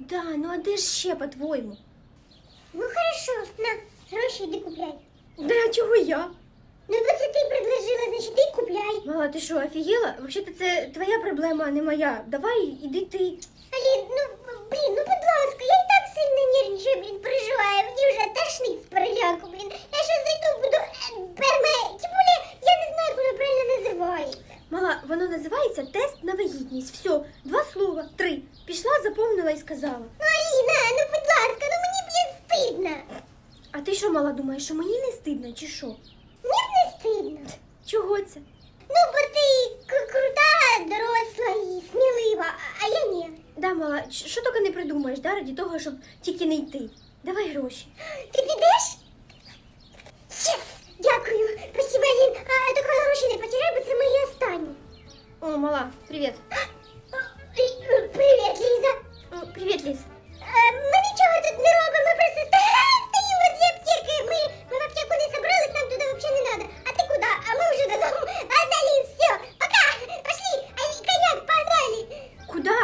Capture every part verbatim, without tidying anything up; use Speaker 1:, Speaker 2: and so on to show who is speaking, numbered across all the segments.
Speaker 1: Да, ну а де ж ще, по-твоєму?
Speaker 2: Ну хорошо, на, гроші йди купляй.
Speaker 1: Да, а чого я?
Speaker 2: Ну бо це ти предложила, значить ти купляй.
Speaker 1: Мала, ти що, офігела? Взагалі це твоя проблема, а не моя. Давай, іди ти.
Speaker 2: Алін, ну, блін, ну будь ласка, я і так сильно нервничаю, блін, переживаю. Мені вже тошнить з переляку, блін. Я щось зайду, буду е, перме... Тим більше, я не знаю, як воно правильно називається.
Speaker 1: Мала, воно називається тест на вагітність. Все, два слова, три. Пішла, запомнила і сказала.
Speaker 2: Ну, Аліна, ну будь ласка, ну мені, блін, стидно.
Speaker 1: А ти що, мала, думаєш, що мені не стидно, чи що?
Speaker 2: Мені не стидно.
Speaker 1: Чого це?
Speaker 2: Ну, бо ти к- крута, доросла і смілива, а- а я ні.
Speaker 1: Да, мала, ч- що тільки не придумаєш, да, раді того, щоб тільки не йти. Давай гроші.
Speaker 2: Ти підеш? Єс! Дякую. Спасибо, Алін. А тільки гроші не потеряй, бо це мої останні.
Speaker 1: О, мала, привіт.
Speaker 2: Лі- Привіт, Ліза.
Speaker 1: О, привіт, Ліз.
Speaker 2: Е, Ми нічого тут не робимо, ми просто ста- стоїмо возле аптеки. Ми, ми в аптеку не собрались, нам туди взагалі не треба. А ти куди? А ми вже додому. А, да, Ліз, все, пока. Пошли. А, коньяк, погнали.
Speaker 1: Куда?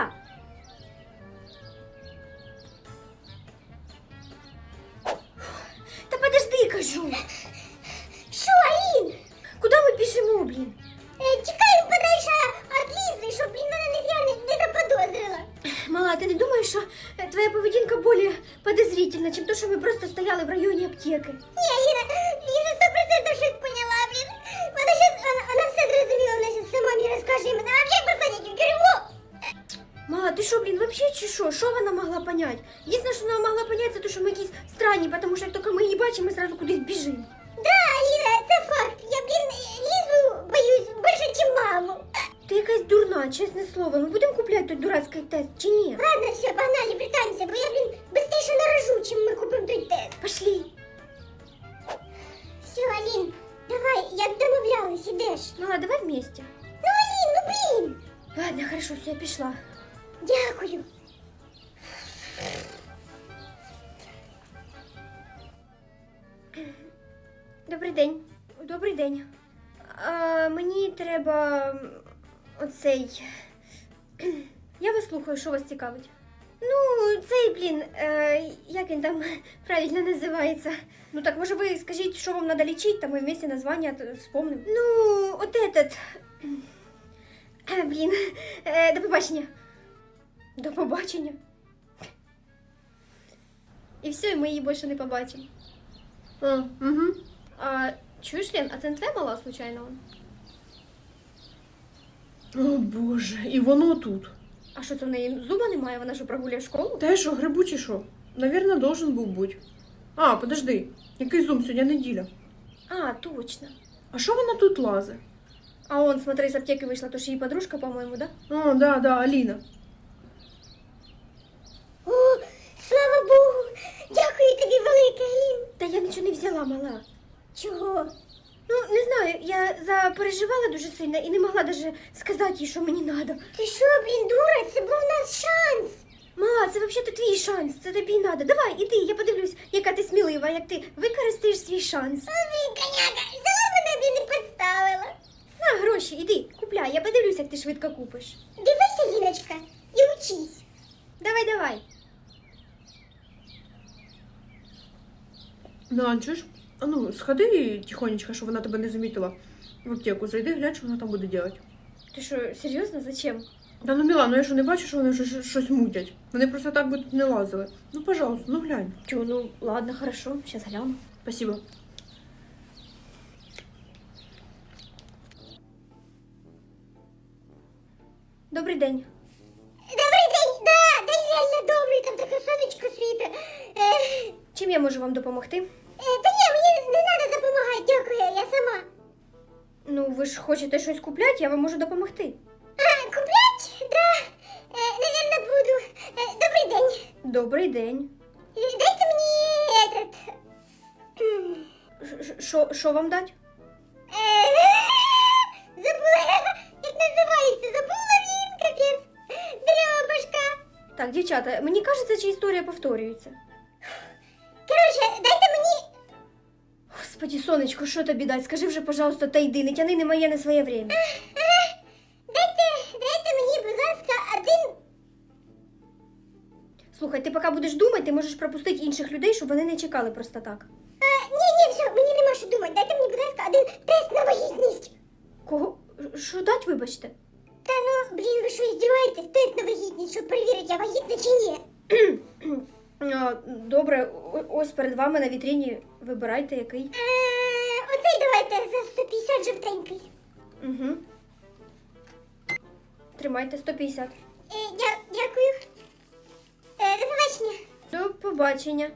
Speaker 1: Та подожди, кажу.
Speaker 2: Що, Алін?
Speaker 1: Куда ми біжимо, блін?
Speaker 2: Е, Чекаємо подальше від Лізи, щоб, блін, вона не, я не, не заподозрила.
Speaker 1: Мала, ти не думаєш, що е, твоя поведінка більш подозрительна, чим то, що ми просто стояли в районі аптеки?
Speaker 2: Ні, Аліна, Ліза сто процентів щось поняла, блін. Вона щас, вона, вона все зрозуміла, вона щас сама мені розкаже, і мене взагалі посадять в тюрму.
Speaker 1: Мала, ти що, блін, вообще чи що? Що вона могла понять? Єдине, що вона могла понять, це те, що ми якісь странні, тому що як тільки ми її бачимо, ми одразу кудись біжимо.
Speaker 2: Да, Аліна, це факт. Я, блін, Лізу боюсь більше, ніж маму.
Speaker 1: Ти якась дурна, чесне слово. Ми будемо купляти той дурацький тест чи ні?
Speaker 2: Ладно, все, погнали, британці, бо я, блін, быстріше нарожу, чим ми купимо той тест.
Speaker 1: Пошли.
Speaker 2: Все, Алін, давай, як домовлялись, ідеш.
Speaker 1: Мала, давай вместе.
Speaker 2: Ну, Алін, ну, блін.
Speaker 1: Ладно, хорошо, все, я пішла.
Speaker 2: Дякую.
Speaker 1: Добрий день. Добрий день. А, мені треба м, оцей. Я вас слухаю, що вас цікавить. Ну, цей, блін, е, як він там правильно називається. Ну так, може ви скажіть, що вам треба лічити, там ми вместе названня т- вспомнимо. Ну, от этот. Е, блін, е, до побачення. До побачення. І все, і ми її більше не побачимо. А, угу. А, чуєш, Лен, а це не твоя мала, случайно?
Speaker 3: О боже, і воно тут.
Speaker 1: А що це в неї зуба немає? Вона що прогуляє школу?
Speaker 3: Та й що, грибучий що? Навірно, должен був бути. А, подожди, який зум, сьогодні неділя.
Speaker 1: А, точно.
Speaker 3: А що вона тут лазить?
Speaker 1: А он, смотри, з аптеки вийшла, то ж її подружка, по-моєму, да?
Speaker 3: О, да, да, Аліна.
Speaker 2: О, слава Богу. Дякую тобі велике, Алін.
Speaker 1: Та я нічого не взяла, мала.
Speaker 2: Чого?
Speaker 1: Ну, не знаю, я запереживала дуже сильно і не могла даже сказати їй, що мені треба.
Speaker 2: Ти що, блін, дура? Це був у нас шанс.
Speaker 1: Мала, це взагалі твій шанс, це тобі й треба. Давай, іди, я подивлюсь, яка ти смілива, як ти використаєш свій шанс.
Speaker 2: О, блін, коняка, взяла мене, блін, і підставила.
Speaker 1: На, гроші, іди, купляй, я подивлюсь, як ти швидко купиш.
Speaker 2: Дивися, Ліночка, і учись.
Speaker 1: Давай, давай.
Speaker 3: Да, чуєш? А ну, сходи тихонечко, щоб вона тебе не замітила. В аптеку зайди, глянь, що вона там буде робити.
Speaker 1: Ти що, серйозно? Зачем?
Speaker 3: Та ну, Міла, ну я що не бачу, що вони вже щ- щось мутять. Вони просто так би тут не лазили. Ну, пожалуйста, ну глянь.
Speaker 1: Чё, ну ладно, хорошо, сейчас гляну.
Speaker 3: Спасибо.
Speaker 1: Добрий день.
Speaker 2: Добрий день, да, день реально добрий, там таке сонечко світе. Е,
Speaker 1: Чим я можу вам допомогти?
Speaker 2: е, та ні, мені не треба допомагати, дякую, я сама.
Speaker 1: Ну, ви ж хочете щось купляти, я вам можу допомогти.
Speaker 2: А, куплять? Да, е, навірно, буду. Е, добрий день.
Speaker 1: Добрий день.
Speaker 2: Е, Дайте мені этот... м,
Speaker 1: Ш- ш- Що що вам дать?
Speaker 2: е, Забула, як називається, забула він, капець. Дрьобашка.
Speaker 1: Так, дівчата, мені кажеться, чи історія повторюється.
Speaker 2: Короче, дайте мені...
Speaker 1: Господи, сонечко, що тобі дать? Скажи вже, пожалуйста, та йди, не тяни не моє, не своє время.
Speaker 2: Ага, дайте, дайте мені, будь ласка, один...
Speaker 1: Слухайте, ти поки будеш думати, ти можеш пропустити інших людей, щоб вони не чекали просто так.
Speaker 2: А, ні, ні, все, мені нема що думати. Дайте мені, будь ласка, один тест на вагітність.
Speaker 1: Кого? Що дать, вибачте?
Speaker 2: Та ну, блін, ви що, здіваєтесь? Тест на вагітність, щоб перевірити, я вагітна чи ні.
Speaker 1: А, добре, о- ось перед вами на вітріні вибирайте який.
Speaker 2: Е, оцей давайте за сто п'ятдесят жовтенький.
Speaker 1: Угу. Тримайте сто п'ятдесят.
Speaker 2: Е, дя, дякую. Е, до побачення.
Speaker 1: До побачення.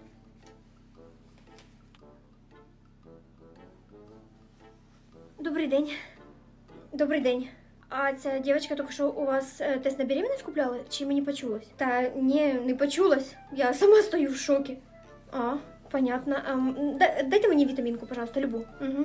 Speaker 1: Добрий день. Добрий день. А ця дівчинка тільки що у вас е, тест на беременность купляла? Чи мені почулось? Та ні, не почулось. Я сама стою в шокі. А, понятно. Ем, да- дайте мені вітамінку, пожалуйста, любу. Угу.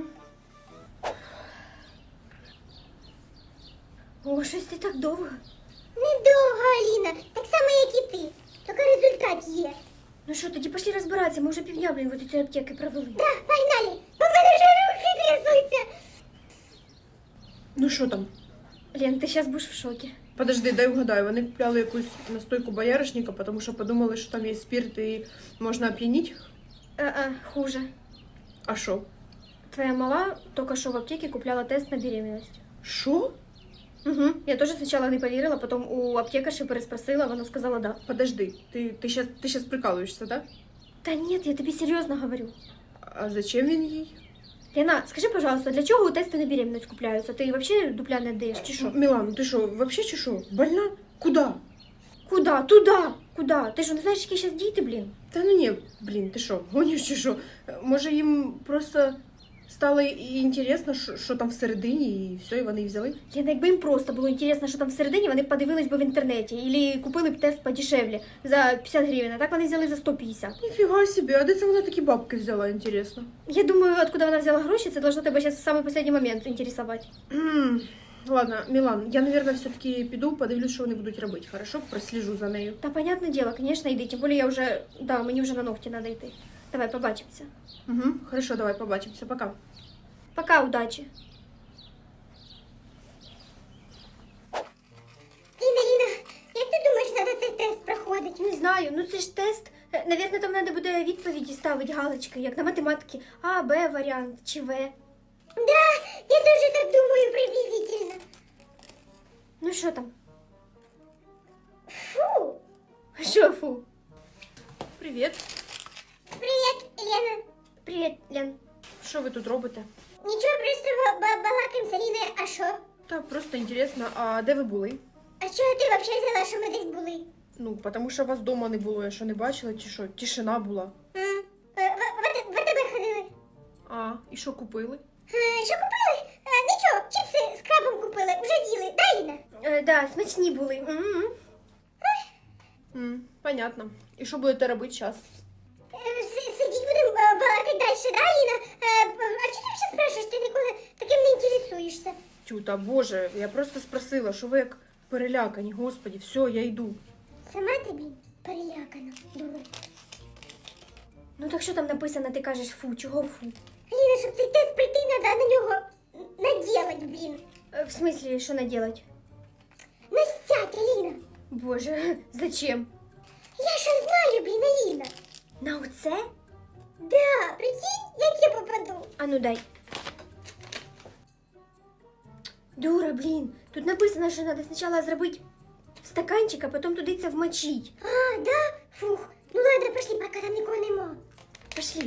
Speaker 1: О, щось ти так довго.
Speaker 2: Недовго, Аліна, так само, як і ти. Тільки результат є.
Speaker 1: Ну що, тоді пошли розбиратися, ми вже півдня, блін, в ці аптеки провели.
Speaker 2: Да, погнали. У мене вже руки трясуться.
Speaker 3: Ну що там?
Speaker 1: Лен, ти зараз будеш в шокі.
Speaker 3: Подожди, дай угадаю. Вони купляли якусь настойку бояришника, тому що подумали, що там є спирт і можна оп'яніть.
Speaker 1: Е-е, хуже.
Speaker 3: А що?
Speaker 1: Твоя мала тільки що в аптеці купляла тест на беременность.
Speaker 3: Що?
Speaker 1: Угу. Я теж спочатку не повірила, потім у аптекарші переспросила, вона сказала да.
Speaker 3: Подожди, ти, ти, щас, ти щас прикалуєшся, да?
Speaker 1: Та ні, я тобі серйозно говорю.
Speaker 3: А зачем він їй?
Speaker 1: Лена, скажи, пожалуйста, для чого у тести на беременность купляються? Ти взагалі дупля не даєш, чи що?
Speaker 3: Мілан, ти що, вообще чи що? Больна? Куда?
Speaker 1: Куда? Туда! Куда? Ти що, не знаєш, які зараз діти, блін?
Speaker 3: Та ну ні, блін, ти що, гониш чи що? Може їм просто стало і інтересно, що, що там всередині, і все, і вони і взяли?
Speaker 1: Лена, якби їм просто було інтересно, що там всередині, вони б подивились би в інтернеті. Або купили б тест подешевле за п'ятдесят гривень, а так вони взяли за сто п'ятдесят.
Speaker 3: Ніфіга собі, а де це вона такі бабки взяла, інтересно?
Speaker 1: Я думаю, откуда вона взяла гроші, це должно тебе зараз в самий останній момент інтересувати.
Speaker 3: М, Ладно, Мілан, я, наверное, все-таки піду, подивлюсь, що вони будуть робити, хорошо? Просліжу за нею.
Speaker 1: Та понятне діло, конечно, йди. Тим більше я вже, да, мені вже на ногті треба йти. Давай, побачимося.
Speaker 3: Угу, хорошо, давай, побачимося, пока.
Speaker 1: Пока, удачі.
Speaker 2: Ліна, Ліна, як ти думаєш, треба цей тест проходити?
Speaker 1: Не знаю, ну це ж тест. Е, Навірно, там треба буде відповіді ставити галочки, як на математики. А, Б варіант чи В.
Speaker 2: Да, я теж так думаю приблизительно.
Speaker 1: Ну що там?
Speaker 2: Фу.
Speaker 1: Що фу?
Speaker 3: Привіт.
Speaker 2: Привіт, Лена.
Speaker 1: Привіт, Лен.
Speaker 3: Що ви тут робите?
Speaker 2: Нічого, просто ба- ба- балакаємо з Аліною, а що?
Speaker 3: Та просто інтересно, а де ви були?
Speaker 2: А з чого ти взагалі взяла, що ми десь були?
Speaker 3: Ну, тому що вас вдома не було, я що не бачила, чи що? Тишина була.
Speaker 2: М, е, в- в АТ- В АТБ ходили.
Speaker 3: А, і що купили?
Speaker 2: Е, Що купили? Е, Нічого, чіпси з крабом купили, вже з'їли, да, Ліна?
Speaker 1: Е, да, смачні були. М-м.
Speaker 3: М, понятно. І що будете робити зараз?
Speaker 2: Е, с- Сидіть будемо е, балакати далі, да, Ліна? Е, б- А чого ти взагалі спрашуєш? Ти ніколи таким не інтересуєшся.
Speaker 3: Тюта, боже, я просто спросила, що ви як перелякані, господі, все, я йду.
Speaker 2: Сама тобі перелякана, дура.
Speaker 1: Ну так що там написано, ти кажеш фу, чого фу?
Speaker 2: Ліна, щоб цей тест прийти, треба на нього наділать, блін.
Speaker 1: Е, В смислі, що наделать?
Speaker 2: Настять, Ліна.
Speaker 1: Боже, зачем?
Speaker 2: Я що знаю, блін, Аліна.
Speaker 1: На оце?
Speaker 2: Да, прикинь, як я попаду.
Speaker 1: А ну дай. Дура, блін. Тут написано, що треба спочатку зробити стаканчик, а потім туди це вмочить.
Speaker 2: А, да? Фух. Ну ладно, пошли, поки там нікого нема.
Speaker 1: Пошли.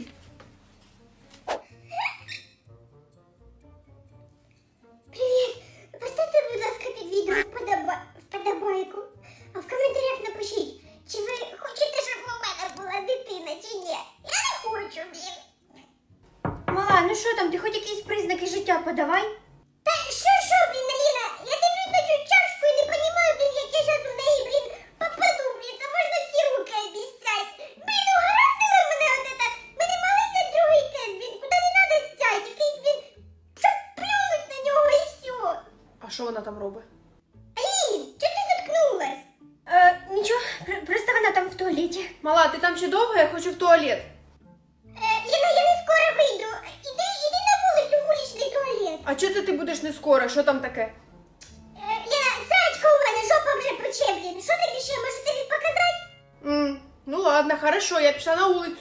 Speaker 2: Привіт. Поставте, будь ласка, під відео вподоба... вподобайку. А в коментарях напишіть, чи ви хочете, щоб у мене була дитина, чи ні. Я не хочу, блін.
Speaker 1: Мала, ну що там, ти хоч якісь признаки життя подавай?
Speaker 2: Та що, що, блін, Аліна? Я дивлюсь на цю чашку і не розумію, блін, як я зараз в неї, блін, попаду, блін. Це можна всі руки обіцять. Блін, угораздила мене от это. Ми не мали це другий тест, блін. Куди не треба стять? Якийсь, блін, щоб плюнуть на нього і все.
Speaker 3: А що вона там робить?
Speaker 2: Алін, чого ти заткнулась?
Speaker 1: Е, нічого, пр- просто вона там в туалеті.
Speaker 3: Мала, ти там ще довго? Я хочу в туалет.
Speaker 2: Е, Ліна, я не скоро вийду. Іди, іди на вулицю, вуличний туалет.
Speaker 3: А чого це ти будеш не скоро? Що там таке?
Speaker 2: Е, Ліна, срачка у мене, жопа вже пече, блін. Що тобі ще, може тобі показати?
Speaker 3: М, Ну ладно, хорошо, я пішла на вулицю.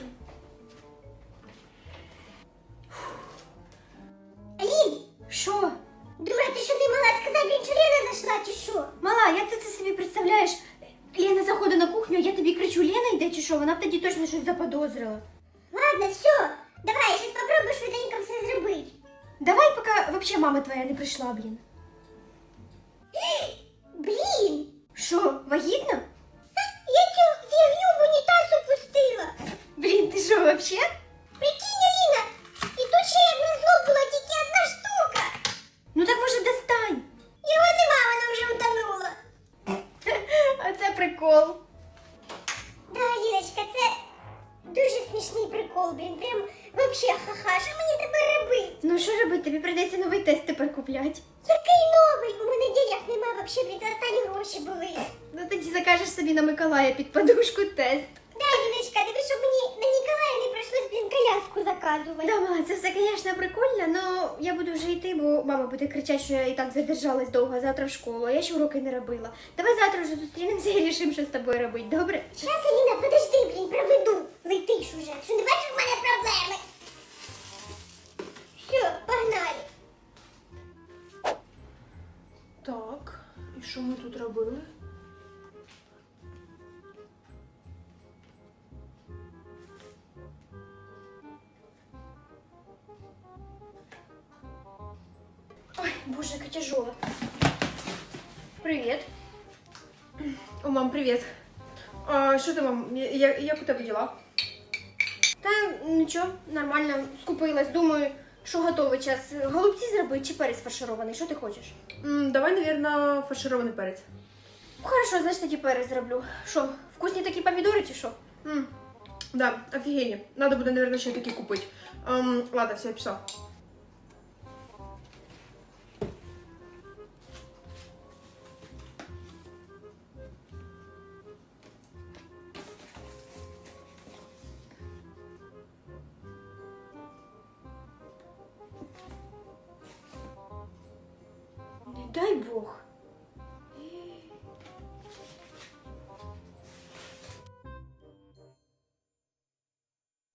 Speaker 2: Алін,
Speaker 1: Що?
Speaker 2: дура, ти що не могла сказати, блін, що Лена зайшла, чи що?
Speaker 1: Мала, як ти це собі представляєш? Лена заходить на кухню, а я тобі кричу, Лена йде чи що? Вона б тоді точно щось заподозрила.
Speaker 2: Ладно, все, давай, я зараз попробую швиденько все зробити.
Speaker 1: Давай, поки взагалі мама твоя не прийшла, блін.
Speaker 2: Блін,
Speaker 1: Що, вагітна?
Speaker 2: я цю фігню в унітаз опустила.
Speaker 1: Блін, ти що, вообще?
Speaker 2: Прикинь, Аліна, і тут ще як назло була тільки одна штука.
Speaker 1: Ну так може достань.
Speaker 2: Його нема, вона вже утонула.
Speaker 1: А це прикол.
Speaker 2: Да, Аліночка, це дуже смішний прикол, блін, прям вообще ха-ха, що мені тепер робити?
Speaker 1: Ну що робити, тобі прийдеться новий тест тепер купляти.
Speaker 2: Який новий? У мене денег нема, вообще, блін, це останні гроші були.
Speaker 1: Ну тоді закажеш собі на Миколая під подушку тест.
Speaker 2: Да, Аліночка, диви, щоб мені на Ніколая не прийшлось, блін, коляску заказувати.
Speaker 1: Да, мала, це все, звісно, прикольно, але я буду вже йти, бо мама буде кричати, що я і так задержалась довго завтра в школу, а я ще уроки не робила. Давай завтра вже зустрінемося і рішимо, що з тобою робити, добре?
Speaker 2: Щас, Аліна, подожди, блін, проведу. Летиш уже. Що не бачиш, в мене проблеми? Все, погнали.
Speaker 3: Так, і що ми тут робили?
Speaker 1: Ой, боже, яка тяжола. Привіт.
Speaker 3: О, мам, привіт. А, що ти, мам, я- я- як у тебе діла?
Speaker 1: Та нічого, нормально, скупилась, думаю, що готовий час. Голубці зробити чи перець фарширований, що ти хочеш?
Speaker 3: М, давай, наверное, фарширований перець.
Speaker 1: Хорошо, значить тоді перець зроблю. Що, вкусні такі помідори чи що?
Speaker 3: М, да, офігенні. Надо буде, наверное, ще такі купити. Ем, ладно, все, я пішла.
Speaker 1: Не дай Бог.